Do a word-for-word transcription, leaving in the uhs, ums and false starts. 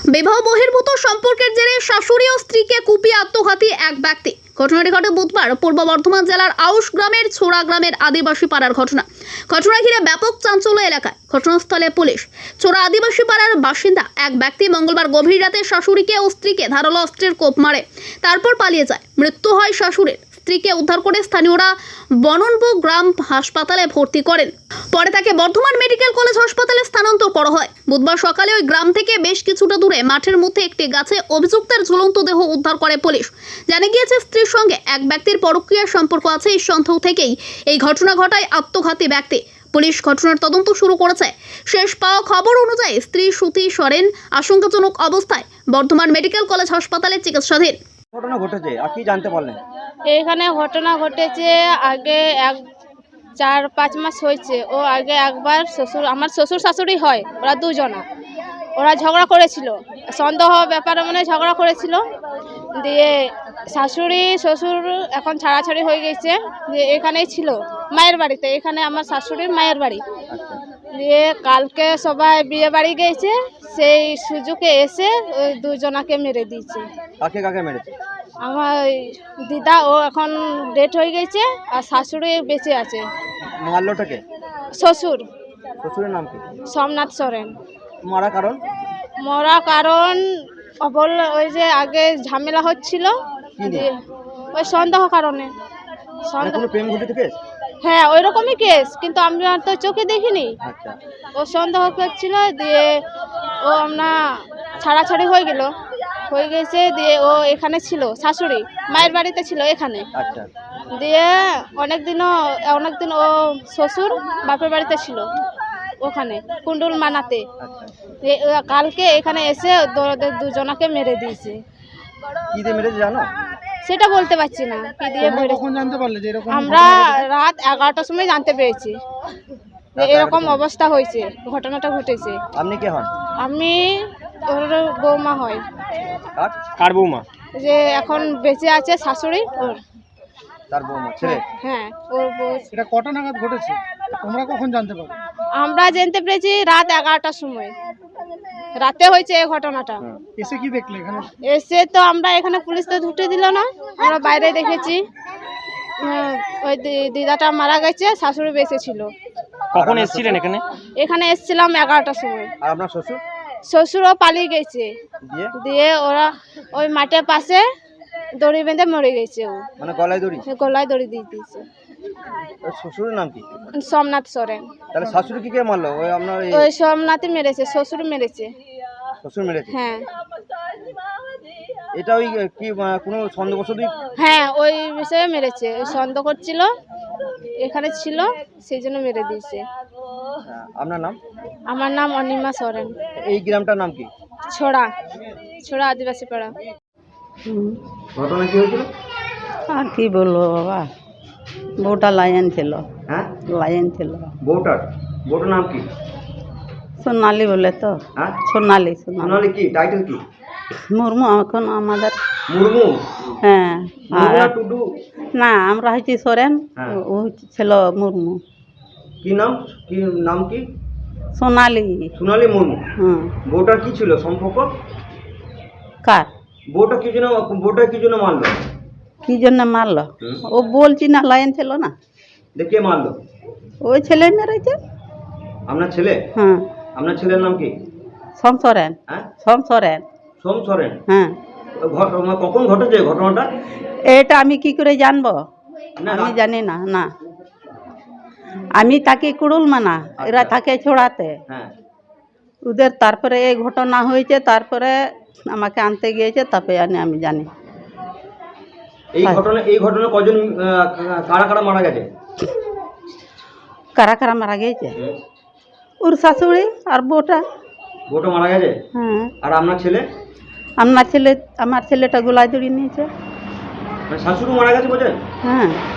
বিবাহ বহির্ভূত সম্পর্কের জেরে শাশুড়ি ও স্ত্রীকে কুপিয়ে আত্মঘাতী এক ব্যক্তি। ঘটনাটি ঘটে বুধবার পূর্ব বর্ধমান জেলার আউশ গ্রামের ছোড়া গ্রামের আদিবাসী পাড়ার ঘটনা। ঘটনা ঘিরে ব্যাপক চাঞ্চল্য এলাকায়। ঘটনাস্থলে পুলিশ। ছোড়া আদিবাসী পাড়ার বাসিন্দা এক ব্যক্তি মঙ্গলবার গভীর রাতে শাশুড়িকে ও স্ত্রীকে ধারালো অস্ত্রের কোপ মারে, তারপর পালিয়ে যায়। মৃত্যু হয় শাশুড়ির। স্ত্রীকে উদ্ধার করে স্থানীয়রা বননবু গ্রাম হাসপাতালে ভর্তি করেন। পরে তাকে বর্ধমান মেডিকেল কলেজ হাসপাতালে স্থানান্তর করা হয়। বুধবার সকালে ওই গ্রাম থেকে বেশ কিছুটা দূরে মাঠের মধ্যে একটি গাছে অভিযুক্তের ঝুলন্ত দেহ উদ্ধার করে পুলিশ। জানা গিয়েছে স্ত্রীর সঙ্গে এক ব্যক্তির পরকীয়া সম্পর্ক আছে। এই সন্দেহ থেকেই এই ঘটনা ঘটায় আত্মঘাতী ব্যক্তি। পুলিশ ঘটনার তদন্ত শুরু করেছে। শেষ পাওয়া খবর অনুযায়ী স্ত্রী সুতি সরেন আশঙ্কাজনক অবস্থায় বর্ধমান মেডিকেল কলেজ হাসপাতালে চিকিৎসাধীন। ঘটনা ঘটেছে আর কি জানতে পারলেন? এইখানে ঘটনা ঘটেছে আগে এক চার পাঁচ মাস হয়েছে। ও আগে একবার শ্বশুর আমার শ্বশুর শাশুড়ি হয়, ওরা দুজনা ওরা ঝগড়া করেছিল, সন্দেহ ব্যাপারে মানে ঝগড়া করেছিল। দিয়ে শাশুড়ি শ্বশুর এখন ছাড়াছাড়ি হয়ে গেছে। দিয়ে এখানেই ছিল মায়ের বাড়িতে, এখানে আমার শাশুড়ির মায়ের বাড়ি। দিয়ে কালকে সবাই বিয়ে বাড়ি গেছে, সেই সুযোগে এসে ওই দুজনাকে মেরে দিয়েছে। কাকে কাকে মেরেছে? আমার দিদা ও এখন ডেট হয়ে গেছে, আর শাশুড়ি বেঁচে আছে। মারলোটাকে? শ্বশুর শ্বশুরের নাম কি? সোমনাথ সরেন। মারা কারণ? মরা কারণ বল ওই যে আগে ঝামেলা হচ্ছিল, দিয়ে ওই সন্দেহ কারণে। সন্দেহ কোনো প্রেম ঘটিত কেস? হ্যাঁ ওই রকমই কেস, কিন্তু আমরা তো চোখে দেখিনি। আচ্ছা। ও সন্দেহ করছিল, দিয়ে ও আমরা ছাড়াছাড়ি হয়ে গেল হয়ে গেছে। দিয়ে ও এখানে ছিল, শাশুড়ি মায়ের বাড়িতে ছিল এখানে। আচ্ছা। দিয়ে অনেক দিনও অনেক দিন ও শ্বশুর বাপের বাড়িতে ছিল ওখানে কুণ্ডুল মানাতে। আচ্ছা। দিয়ে ও কালকে এখানে এসে ওদের দুজনাকে মেরে দিয়েছে। কি দিয়ে মেরেছে জানো? সেটা বলতে পারছি না কি দিয়ে মেরেছে। কখন জানতে পারলে যে এরকম? আমরা রাত এগারোটার সময় জানতে পেরেছি যে এরকম অবস্থা হয়েছে, ঘটনাটা ঘটেছে। আপনি কে হন? আমি ওর বৌমা হয়। কার? কার বৌমা? যে এখন বেঁচে আছে শাশুড়ি ওর। তার বৌমা ছেলে? হ্যাঁ ওর বউ। এটা কটা নাগাদ ঘটেছে? তোমরা কখন জানতে পারো? আমরা জানতে পেরেছি রাত এগারোটার সময়, রাতে হয়েছে এই ঘটনাটা। এসে কি দেখলে এখানে? এসে তো আমরা এখানে পুলিশ তো ঢুকতে দিল না, আমরা বাইরে দেখেছি। উম, ওই দি- দিদাটা মারা গেছে, শাশুড়ি বেঁচে ছিল। কখন এসেছিলেন এখানে? এখানে এসেছিলাম এগারোটার সময়। আর আপনার শ্বশুর? শ্বশুরও পালিয়ে গেছে। দিয়ে দিয়ে ওরা ওই মাঠের পাশে দড়ি বেঁধে মরে গেছে। ও মানে গলায় দড়ি? গলায় দড়ি দিয়ে দিয়েছে। ওর শ্বশুরের নাম কি? সোমনাথ সরেন। তাহলে শাশুড়ি কি কে মারলো? ওই আপনার এই ওই সোমনাথই মেরেছে, শ্বশুর মেরেছে। শ্বশুর মেরেছে? হ্যাঁ এটা ওই কি আহ, কোনো সন্দেহবশতই? হ্যাঁ ওই বিষয়ে মেরেছে, ওই সন্দেহ করছিল এখানে ছিল, সেই জন্য মেরে দিয়েছে। হ্যাঁ, আপনার নাম? আমার নাম অনিমা সরেন। এই গ্রামটার নাম কি? ছোড়া ছোড়া আদিবাসী পাড়া। ঘটনা কি হয়েছিল? আর কি বলবো বাবা, বউটা লাইন ছিল, হ্যাঁ লাইন ছিল। বউটার বউটার নাম কি? সোনালি বলে তো। হ্যাঁ সোনালি সোনালি সোনালি কি টাইটেল কি? মুর্মু এখন আমাদের। মুর্মু? হ্যাঁ আর মুর্মু না টুডু? না, আমরা হচ্ছি সোরেন, হ্যাঁ। ও ছিল মুর্মু। কি নাম? কি নাম কি? সোনালি। সোনালি মুর্মু। হুম। বউটার কি ছিল সম্পর্ক? কার? বউটা কি জন্য বউটা কি জন্য মারলো? কি জন্য মারলো? হুম। ও বলছি না, লাইন ছিল না, দেখে মারলো? ওই ছেলে মেরেছে। আপনার ছেলে? হ্যাঁ। আপনার ছেলের নাম কি? সোম সোরেন। হ্যাঁ সোম সোরেন। সোম সরেন। হ্যাঁ। ঘটনা কখন ঘটেছে ঘটনাটা? এটা আমি কি করে জানবো? না, আমি না। জানি না। না, আমি তাকে কুড়ুল মানা, এরা থাকে ছোড়াতে। হ্যাঁ ওদের তারপরে এই ঘটনা হয়েছে, তারপরে আমাকে আনতে গিয়েছে, তারপরে আনি আমি জানি। এই ঘটনা এই ঘটনা কজন আহ, কারা কারা মারা গেছে? কারা কারা মারা গিয়েছে? ওর শাশুড়ি আর বউটা। বউটা মারা গেছে? হ্যাঁ। আর আপনার ছেলে? আমার ছেলে আমার ছেলেটা গোলায় দড়ি নিয়েছে। মানে শাশুড়ি মারা গেছে বলছেন? হ্যাঁ।